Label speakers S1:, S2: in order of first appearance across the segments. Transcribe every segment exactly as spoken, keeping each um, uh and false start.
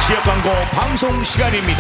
S1: 지역 광고 방송 시간입니다.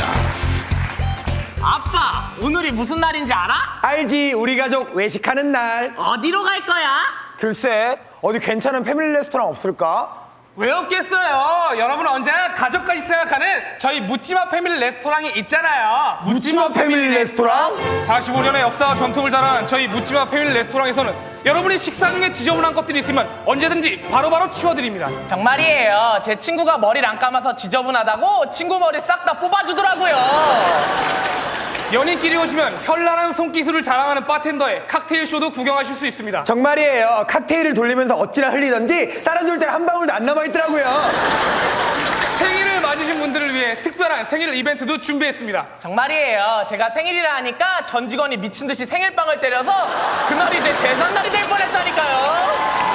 S2: 아빠, 오늘이 무슨 날인지 알아?
S3: 알지, 우리 가족 외식하는 날.
S2: 어디로 갈 거야?
S3: 글쎄, 어디 괜찮은 패밀리 레스토랑 없을까?
S4: 왜 없겠어요? 여러분 언제나 가족까지 생각하는 저희 묻지마 패밀리 레스토랑이 있잖아요.
S3: 묻지마 패밀리 레스토랑?
S4: 사십오 년의 역사와 전통을 자랑한 저희 묻지마 패밀리 레스토랑에서는 여러분이 식사 중에 지저분한 것들이 있으면 언제든지 바로바로 치워드립니다.
S2: 정말이에요. 제 친구가 머리를 안 감아서 지저분하다고 친구 머리 싹 다 뽑아주더라고요.
S4: 연인끼리 오시면 현란한 손기술을 자랑하는 바텐더의 칵테일 쇼도 구경하실 수 있습니다.
S3: 정말이에요. 칵테일을 돌리면서 어찌나 흘리던지 따라줄 때 한 방울도 안 남아있더라고요.
S4: 생일을 맞으신 분들을 위해 특별한 생일 이벤트도 준비했습니다.
S2: 정말이에요. 제가 생일이라 하니까 전 직원이 미친 듯이 생일빵을 때려서 그날이 제 제삿날이 될 뻔했다니까요.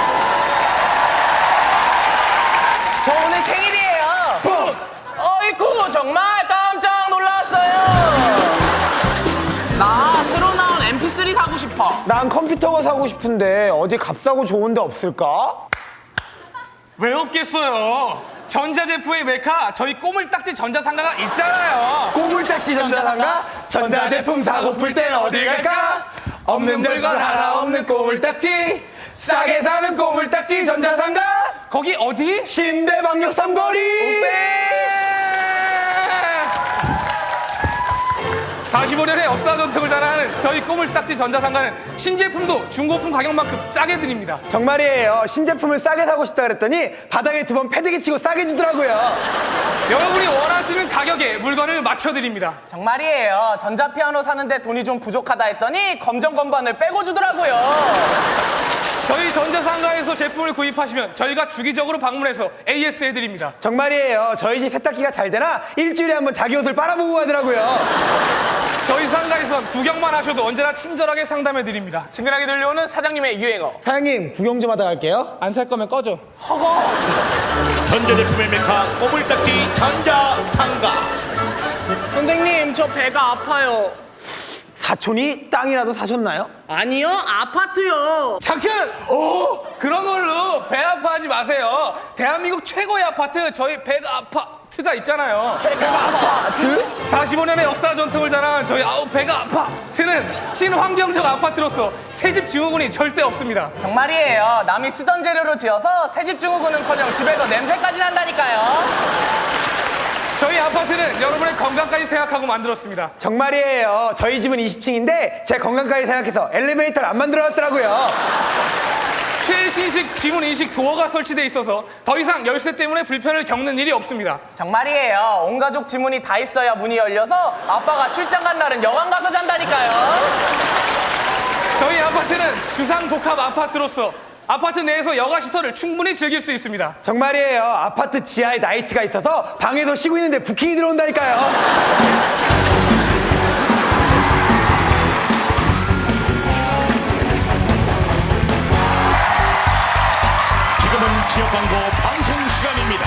S2: 저 오늘 생일이에요. 어이쿠, 정말 깜짝 놀랐어요. 나 새로 나온 엠피쓰리 사고 싶어.
S3: 난 컴퓨터가 사고 싶은데 어디 값싸고 좋은 데 없을까?
S4: 왜 없겠어요? 전자제품의 메카 저희 꼬물딱지 전자상가가 있잖아요.
S3: 꼬물딱지 전자상가? 전자제품 사고플 땐 어디 갈까? 없는 별건 하나 없는 꼬물딱지, 싸게 사는 꼬물딱지 전자상가,
S4: 거기 어디?
S3: 신대방역 삼거리.
S4: 사십오 년의 역사 전통을 자랑하는 저희 꼬물딱지 전자상가는 신제품도 중고품 가격만큼 싸게 드립니다.
S3: 정말이에요. 신제품을 싸게 사고 싶다 그랬더니 바닥에 두 번 패드기 치고 싸게 주더라고요.
S4: 여러분이 원하시는 가격에 물건을 맞춰드립니다.
S2: 정말이에요. 전자피아노 사는데 돈이 좀 부족하다 했더니 검정 건반을 빼고 주더라고요.
S4: 저희 전자상가에서 제품을 구입하시면 저희가 주기적으로 방문해서 에이에스 해드립니다.
S3: 정말이에요. 저희 집 세탁기가 잘 되나 일주일에 한 번 자기 옷을 빨아보고 가더라고요.
S4: 저희 상가에선 구경만 하셔도 언제나 친절하게 상담해드립니다.
S2: 친근하게 들려오는 사장님의 유행어.
S3: 사장님, 구경 좀 하다 갈게요.
S4: 안 살 거면 꺼져.
S1: 전자제품의 메카 꼬물딱지 전자상가.
S2: 선생님, 저 배가 아파요.
S3: 사촌이 땅이라도 사셨나요?
S2: 아니요, 아파트요.
S4: 잠깐! 오! 그런 걸로 배 아파하지 마세요. 대한민국 최고의 아파트 저희 배가 아파트가 있잖아요.
S2: 배가 아파트?
S4: 사십오 년의 역사 전통을 자랑한 저희 아우 배가 아파트는 친환경적 아파트로서 새집 증후군이 절대 없습니다.
S2: 정말이에요. 남이 쓰던 재료로 지어서 새집 증후군은커녕 집에서 냄새까지 난다니까요.
S4: 저희 아파트는 여러분의 건강까지 생각하고 만들었습니다.
S3: 정말이에요. 저희 집은 이십 층인데 제 건강까지 생각해서 엘리베이터를 안 만들어놨더라고요.
S4: 최신식 지문인식 도어가 설치돼 있어서 더 이상 열쇠 때문에 불편을 겪는 일이 없습니다.
S2: 정말이에요. 온 가족 지문이 다 있어야 문이 열려서 아빠가 출장 간 날은 여관 가서 잔다니까요.
S4: 저희 아파트는 주상복합 아파트로서 아파트 내에서 여가시설을 충분히 즐길 수 있습니다.
S3: 정말이에요. 아파트 지하에 나이트가 있어서 방에서 쉬고 있는데 부킹이 들어온다니까요.
S1: 지금은 지역 광고 방송 시간입니다.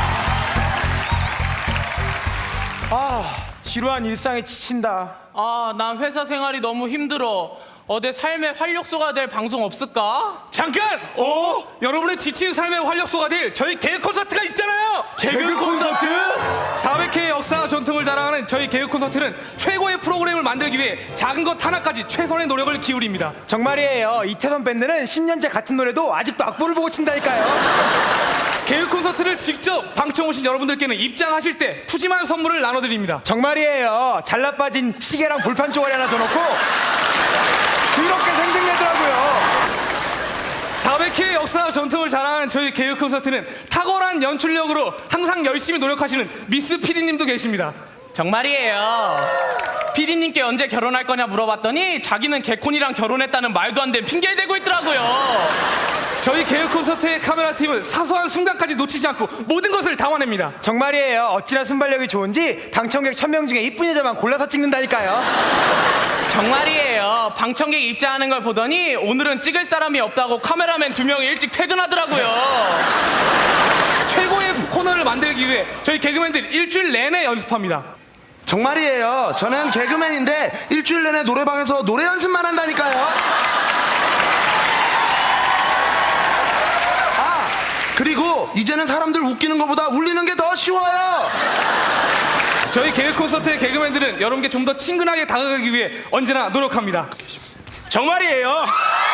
S3: 아, 지루한 일상에 지친다.
S2: 아, 난 회사 생활이 너무 힘들어. 어디 삶의 활력소가 될 방송 없을까?
S4: 잠깐! 어? 여러분의 지친 삶의 활력소가 될 저희 개그 콘서트가 있잖아요!
S3: 개그 콘서트?
S4: 사백 회의 역사와 전통을 자랑하는 저희 개그 콘서트는 최고의 프로그램을 만들기 위해 작은 것 하나까지 최선의 노력을 기울입니다.
S3: 정말이에요. 이태원 밴드는 십 년째 같은 노래도 아직도 악보를 보고 친다니까요.
S4: 개그 콘서트를 직접 방청 오신 여러분들께는 입장하실 때 푸짐한 선물을 나눠드립니다.
S3: 정말이에요. 잘라 빠진 시계랑 볼판 쪼가리 하나 줘놓고 그렇게 생생내더라고요.
S4: 사백 회의 역사와 전통을 자랑하는 저희 개그 콘서트는 탁월한 연출력으로 항상 열심히 노력하시는 미스 피디님도 계십니다.
S2: 정말이에요. 피디님께 언제 결혼할 거냐 물어봤더니 자기는 개콘이랑 결혼했다는 말도 안 되는 핑계를 대고 있더라고요.
S4: 저희 개그 콘서트의 카메라 팀은 사소한 순간까지 놓치지 않고 모든 것을 담아냅니다.
S3: 정말이에요. 어찌나 순발력이 좋은지 방청객 천 명 중에 이쁜 여자만 골라서 찍는다니까요.
S2: 정말이에요. 방청객 입장하는 걸 보더니 오늘은 찍을 사람이 없다고 카메라맨 두 명이 일찍 퇴근하더라고요.
S4: 최고의 코너를 만들기 위해 저희 개그맨들이 일주일 내내 연습합니다.
S5: 정말이에요. 저는 개그맨인데 일주일 내내 노래방에서 노래 연습만 한다니까요. 아, 그리고 이제는 사람들 웃기는 것보다 울리는 게 더 쉬워요.
S4: 저희 개그 콘서트의 개그맨들은 여러분께 좀 더 친근하게 다가가기 위해 언제나 노력합니다.
S6: 정말이에요.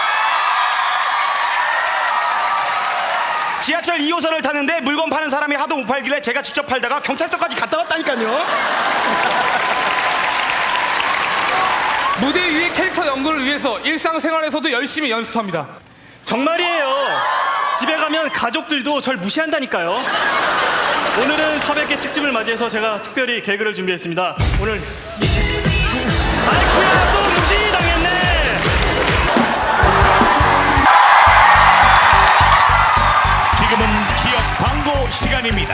S6: 지하철 이 호선을 타는데 물건 파는 사람이 하도 못 팔길래 제가 직접 팔다가 경찰서까지 갔다 왔다니까요.
S4: 무대 위의 캐릭터 연구를 위해서 일상생활에서도 열심히 연습합니다.
S6: 정말이에요. 집에 가면 가족들도 절 무시한다니까요. 오늘은 사백 개 특집을 맞이해서 제가 특별히 개그를 준비했습니다. 오늘 아이쿠야 또 무시당했네.
S1: 지금은 지역 광고 시간입니다.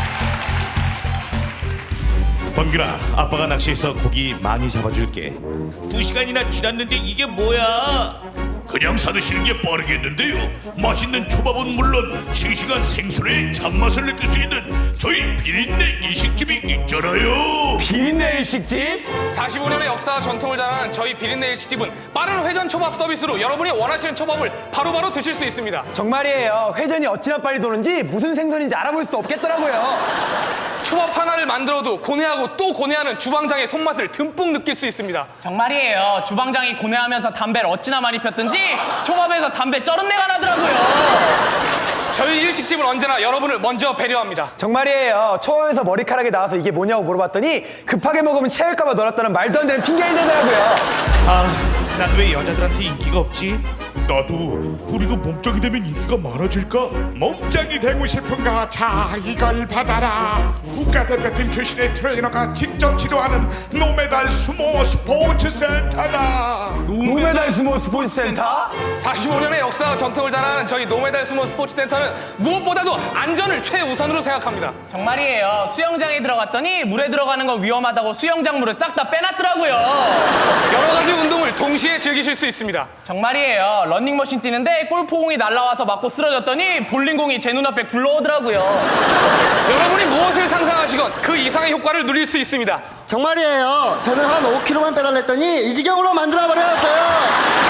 S1: 범균아, 아빠가 낚시해서 고기 많이 잡아줄게. 두 시간이나 지났는데 이게 뭐야? 그냥 사드시는 게 빠르겠는데요. 맛있는 초밥은 물론 싱싱한 생선의 참맛을 느낄 수 있는 저희 비린내 일식집이 있잖아요.
S3: 비린내 일식집?
S4: 사십오 년의 역사와 전통을 자랑하는 저희 비린내 일식집은 빠른 회전 초밥 서비스로 여러분이 원하시는 초밥을 바로바로 드실 수 있습니다.
S3: 정말이에요. 회전이 어찌나 빨리 도는지 무슨 생선인지 알아볼 수도 없겠더라고요.
S4: 초밥 하나를 만들어도 고뇌하고 또 고뇌하는 주방장의 손맛을 듬뿍 느낄 수 있습니다.
S2: 정말이에요. 주방장이 고뇌하면서 담배를 어찌나 많이 폈든지 초밥에서 담배 쩔은 내가 나더라고요.
S4: 저희 일식집은 언제나 여러분을 먼저 배려합니다.
S3: 정말이에요. 초밥에서 머리카락이 나와서 이게 뭐냐고 물어봤더니 급하게 먹으면 체할까봐 넣었다는 말도 안 되는 핑계를 대더라고요.
S1: 아, 난 왜 여자들한테 인기가 없지? 나도 우리도 몸짱이 되면 인기가 많아질까? 몸짱이 되고 싶은가? 자, 이걸 받아라. 국가대표팀 출신의 트레이너가 직접 지도하는 노메달 수모 스포츠 센터다.
S3: 노메달 스모 스포츠 센터?
S4: 사십오 년의 역사와 전통을 자랑하는 저희 노메달 수모 스포츠 센터는 무엇보다도 안전을 최우선으로 생각합니다.
S2: 정말이에요. 수영장에 들어갔더니 물에 들어가는 거 위험하다고 수영장 물을 싹 다 빼놨더라고요.
S4: 여러 가지 운동을 동시에 즐기실 수 있습니다.
S2: 정말이에요. 런닝머신 뛰는데 골프공이 날아와서 맞고 쓰러졌더니 볼링공이 제 눈앞에 굴러오더라고요.
S4: 여러분이 무엇을 상상하시건 그 이상의 효과를 누릴 수 있습니다.
S7: 정말이에요. 저는 한 오 킬로그램만 빼달랬더니 이 지경으로 만들어버렸어요.